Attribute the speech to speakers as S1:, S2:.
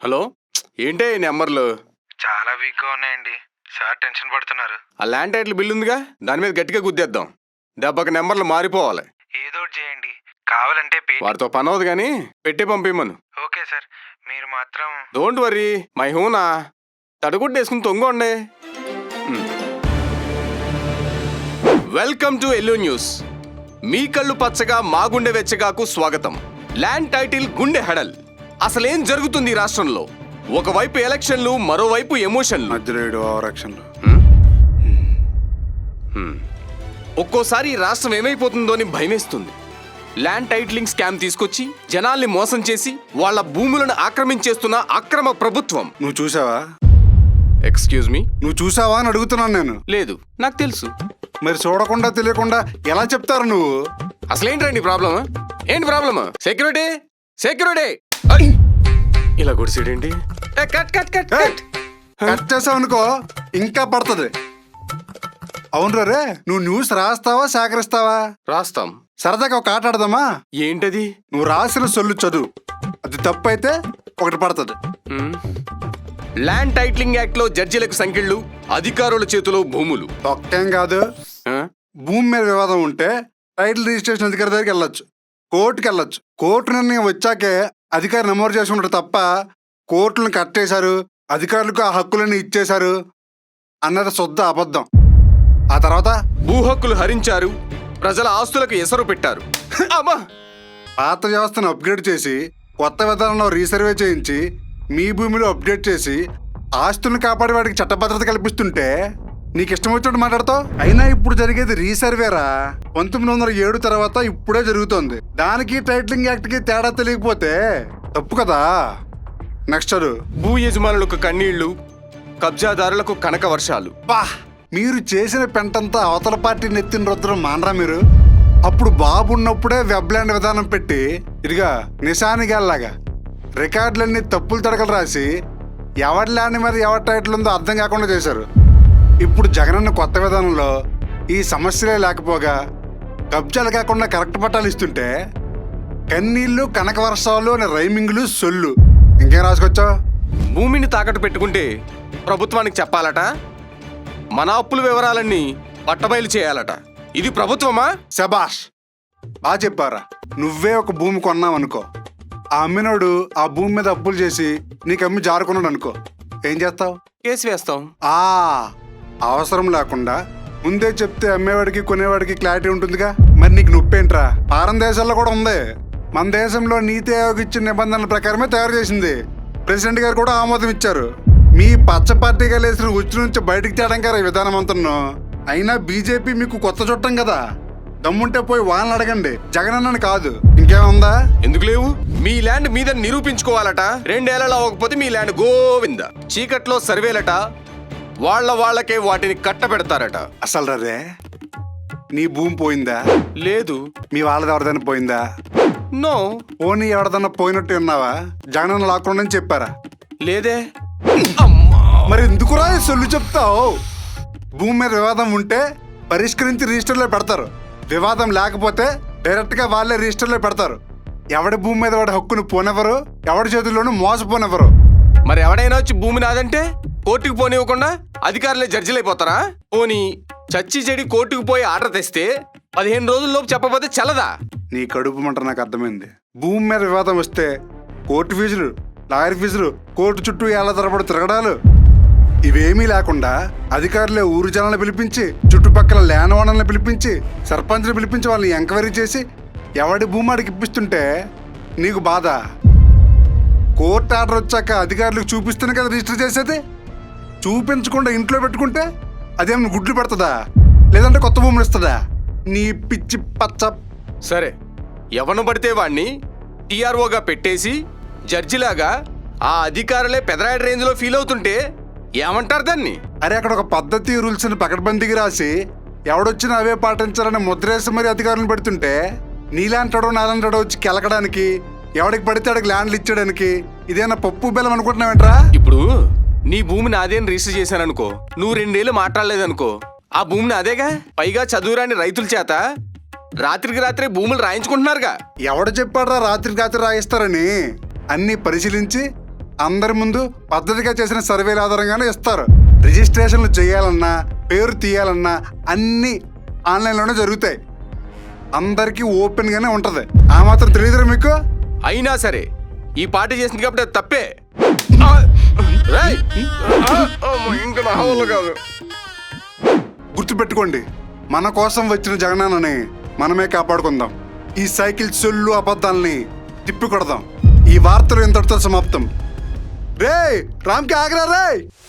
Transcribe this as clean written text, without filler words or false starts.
S1: Hello, ఏంటే ఈ నెంబర్లు?
S2: చాలా వీక్గా ఉన్నాయండి. సార్ టెన్షన్ పడుతున్నారు.
S1: ఆ ల్యాండ్ టైటిల్ బిల్ ఉందిగా, దాని మీద గట్టిగా గుద్దేద్దాం. దెబ్బకి నెంబర్లు మారిపోవాలి.
S2: ఏదో ఒకటి చేయండి. కావాలంటే
S1: వాడితో పని అవదు కానీ పెట్టి పంపిమ్మను.
S2: ఓకే సార్, మీరు మాత్రం
S1: డోంట్ వరీ, మై హూనా. తడుగుడ్డేసుకుని తొంగండి. Welcome to yellow news. మీ కళ్ళు పచ్చగా మా గుండె వెచ్చగాకు స్వాగతం. ల్యాండ్ టైటిల్ గుండె హెడల్. అసలేం జరుగుతుంది ఈ రాష్ట్రంలో? ఒకవైపు ఎలక్షన్లు, మరోవైపు ఎమోషన్లు. ఒక్కోసారి ఈ రాష్ట్రం ఏమైపోతుందో అని భయమేస్తుంది. ల్యాండ్ టైటిలింగ్ స్కామ్ తీసుకొచ్చి జనాల్ని మోసం చేసి వాళ్ళ భూములను ఆక్రమించేస్తున్న అక్రమ ప్రభుత్వం.
S3: నువ్వు చూసావా?
S1: ఎక్స్క్యూజ్ మీ,
S3: నువ్వు చూసావా అని అడుగుతున్నాను నేను.
S1: లేదు, నాకు తెలుసు.
S3: మరి చూడకుండా తెలియకుండా ఎలా చెప్తారు నువ్వు?
S1: అసలేంటండి ప్రాబ్లమ్? ఏంటి ప్రాబ్లమ్? Security, security! ఇలా గుడిసేడేంటి? Cut cut cut cut
S3: cut చేసావు అనుకో ఇంకా పడుతుంది. అవును రే, నువ్వు న్యూస్ రాస్తావా సేకరిస్తావా?
S1: రాస్తాం.
S3: సరదాగా ఒక ఆట ఆడదామా?
S1: ఏంటది?
S3: నువ్వు రాసిన సొల్లు చదువు, అది తప్పు అయితే ఒకటి పడుతుంది.
S1: ల్యాండ్ టైటిలింగ్ యాక్ట్ లో జడ్జిలకు సంఖ్యలు, అధికారుల చేతిలో భూములు.
S3: ఒక్కేం కాదు,
S1: ఆ?
S3: భూమి మీద వివాదం ఉంటే టైటిల్ రిజిస్ట్రేషన్ అధికారి దగ్గరికి వెళ్ళొచ్చు, కోర్టుకి వెళ్ళొచ్చు. కోర్టు నిర్ణయం వచ్చాకే అధికారి నమోదు చేసుకుంటారు తప్ప కోర్టులను కట్టేశారు, అధికారులకు ఆ హక్కులను ఇచ్చేశారు అన్నది శుద్ధ అబద్ధం. ఆ తర్వాత
S1: భూ హక్కులు హరించారు, ప్రజల ఆస్తులకు ఎసరు పెట్టారు. అమ్మా!
S3: పాత వ్యవస్థను అప్గ్రేడ్ చేసి కొత్త విధానంలో రీసర్వే చేయించి మీ భూమిలో అప్డేట్ చేసి ఆస్తులను కాపాడే వాడికి చట్టభద్రత కల్పిస్తుంటే నీకు ఇష్టం వచ్చినట్టు మాట్లాడతావు. అయినా ఇప్పుడు జరిగేది రీసర్వేరా. 1907 తర్వాత ఇప్పుడే జరుగుతోంది. దానికి టైటిలింగ్ యాక్ట్ కి తేడా తెలియకపోతే తప్పు కదా. నెక్స్ట్ చదువు.
S1: భూ యజమానులకు కన్నీళ్లు, కబ్జాదారులకు కనక వర్షాలు.
S3: బా, మీరు చేసిన పెంటంతా అవతల పార్టీ నెత్తిన రుద్రం మానరా మీరు? అప్పుడు బాబు ఉన్నప్పుడే వెబ్లాండ్ విధానం పెట్టి ఇదిగా నిశానిగాల్లాగా రికార్డులన్నీ తప్పులు తడకలు రాసి ఎవరి ల్యాండ్ మీద ఎవరి టైటిల్ ఉందో అర్థం కాకుండా చేశారు. ఇప్పుడు జగనన్న కొత్త విధానంలో ఈ సమస్యలే లేకపోగా కబ్జాలు కాకుండా కరెక్ట్ పట్టాలు ఇస్తుంటే కన్నీళ్ళు, కనక వర్షాలు అనే రైమింగ్లు, సొల్లు ఇంకేం రాసుకొచ్చావు?
S1: భూమిని తాకట్టు పెట్టుకుంటే ప్రభుత్వానికి చెప్పాలట, మన అప్పుల వివరాలన్నీ పట్టబయలు చేయాలట. ఇది ప్రభుత్వమా?
S3: శబాష్, బాగా చెప్పారా. నువ్వే ఒక భూమి కొన్నావు అనుకో, ఆ అమ్మినోడు ఆ భూమి మీద అప్పులు చేసి నీకు అమ్మి జారుకున్నాడు అనుకో, ఏం చేస్తావు?
S1: కేసు వేస్తాం.
S3: అవసరం లేకుండా ముందే చెప్తే అమ్మేవాడికి కొనేవాడికి క్లారిటీ ఉంటుందిగా. మరి నీకు నొప్పేంట్రా? పారం దేశాల్లో కూడా ఉంది. మన దేశంలో నీతి ఆయోగ్ ఇచ్చిన నిబంధనల ప్రకారమే తయారు చేసింది. ప్రెసిడెంట్ గారు కూడా ఆమోదం ఇచ్చారు. మీ పచ్చ పార్టీగా లేసిన ఉచ్చు నుంచి బయటికి తేడం గారు ఈ విధానం అంటున్నాను. అయినా బీజేపీ మీకు కొత్త చుట్టం కదా, దమ్ముంటే పోయి వాళ్ళని అడగండి, జగనన్నని కాదు. ఇంకేముందా?
S1: ఎందుకు లేవు? మీ ల్యాండ్ మీద నిరూపించుకోవాలట. 2 ఏళ్లలో అవ్వకపోతే మీ ల్యాండ్ గోవింద. చీకట్లో సర్వేలట, వాళ్ళకే వాటిని కట్టబెడతారట.
S3: అసలు రే, నీ భూమి పోయిందా?
S1: లేదు.
S3: మీ వాళ్ళది ఎవరిదైనా పోయిందా?
S1: నో.
S3: పోనీ ఎవరిదన్నా పోయినట్టు ఉన్నావా? జగనన్న లాక్కుండా అని చెప్పారా?
S1: లేదే.
S3: మరి ఎందుకురా సొల్లు చెప్తావు? భూమి మీద వివాదం ఉంటే పరిష్కరించి రిజిస్టర్లో పెడతారు, వివాదం లేకపోతే డైరెక్ట్ గా వాళ్ళే రిజిస్టర్లో పెడతారు. ఎవడి భూమి మీద వాడి హక్కును పోనెవరు, ఎవడి చేతుల్లోనూ మోసపోనెవరు.
S1: మరి ఎవడైనా వచ్చి భూమి నాదంటే కోర్టుకు పోనివ్వకుండా అధికారులే జడ్జిలు అయిపోతారా? పోనీ చచ్చి చెడి కోర్టుకు పోయి ఆర్డర్ తెస్తే 15 రోజుల్లోపు చెప్పకపోతే చల్లదా?
S3: నీ కడుపు మంట నాకు అర్థమైంది. భూమి మీద వివాదం వస్తే కోర్టు ఫీజులు, లాయర్ ఫీజులు, కోర్టు చుట్టూ ఏళ్ల తరబడి తిరగడాలు, ఇవేమీ లేకుండా అధికారులే ఊరు జనాలను పిలిపించి, చుట్టుపక్కల ల్యాండ్ ఓనర్లను పిలిపించి, సర్పంచ్ని పిలిపించి వాళ్ళని ఎంక్వైరీ చేసి ఎవడి భూమి ఆడికి ఇప్పిస్తుంటే నీకు బాధ. కోర్టు ఆర్డర్ వచ్చాక అధికారులకు చూపిస్తేనే కదా రిజిస్టర్ చేసేది. చూపించకుండా ఇంట్లో పెట్టుకుంటే అదేమన్నా గుడ్లు పెడుతుందా, లేదంటే కొత్త భూములు ఇస్తుందా? నీ పిచ్చి పచ్చ.
S1: సరే, ఎవను పడితే వాణ్ణి టీఆర్ఓగా పెట్టేసి జడ్జిలాగా ఆ అధికారులే పెదరాయడ రేంజ్లో ఫీల్ అవుతుంటే ఏమంటారు దాన్ని?
S3: అరే, అక్కడ ఒక పద్ధతి రూల్స్ ని పకడ్బందీకి రాసి ఎవడొచ్చినా అవే పాటించాలని ముద్రేసి మరి అధికారులను పెడుతుంటే నీలాంటాడో నాలంటాడో వచ్చి కెలకడానికి, ఎవడికి పడితే అడికి ల్యాండ్లు ఇచ్చడానికి ఇదేనా పప్పు బెల్లం అనుకుంటున్నావేంట్రా?
S1: ఇప్పుడు నీ భూమిని అదేని రిజిస్టర్ చేశాననుకో, నువ్వు 2 ఏళ్ళు మాట్లాడలేదనుకో, ఆ భూమిని అదేగా. పైగా చదువురాని రైతుల చేత రాత్రికి రాత్రే భూములు రాయించుకుంటున్నారుగా.
S3: ఎవడు చెప్పాడ్రా రాత్రికి రాత్రి రాయిస్తారని? అన్ని పరిశీలించి అందరి ముందు పద్ధతిగా చేసిన సర్వేల ఆధారంగానే ఇస్తారు. రిజిస్ట్రేషన్లు చేయాలన్నా పేరు తీయాలన్నా అన్నీ ఆన్లైన్లోనే జరుగుతాయి. అందరికీ ఓపెన్గానే ఉంటుంది. ఆ మాత్రం తెలియదురా మీకు?
S1: అయినా సరే ఈ పార్టీ చేసింది కాబట్టి అది తప్పే. రేయ్! ఇంకా నా వల్ల కాదు.
S3: గుర్తుపెట్టుకోండి, మన కోసం వచ్చిన జగనన్నని మనమే కాపాడుకుందాం. ఈ సైకిల్ సొల్లు అబద్ధాలని తిప్పి కొడదాం. ఈ వార్తలు ఇంతటితో సమాప్తం. రేయ్, రామ్కి ఆగరా రేయ్.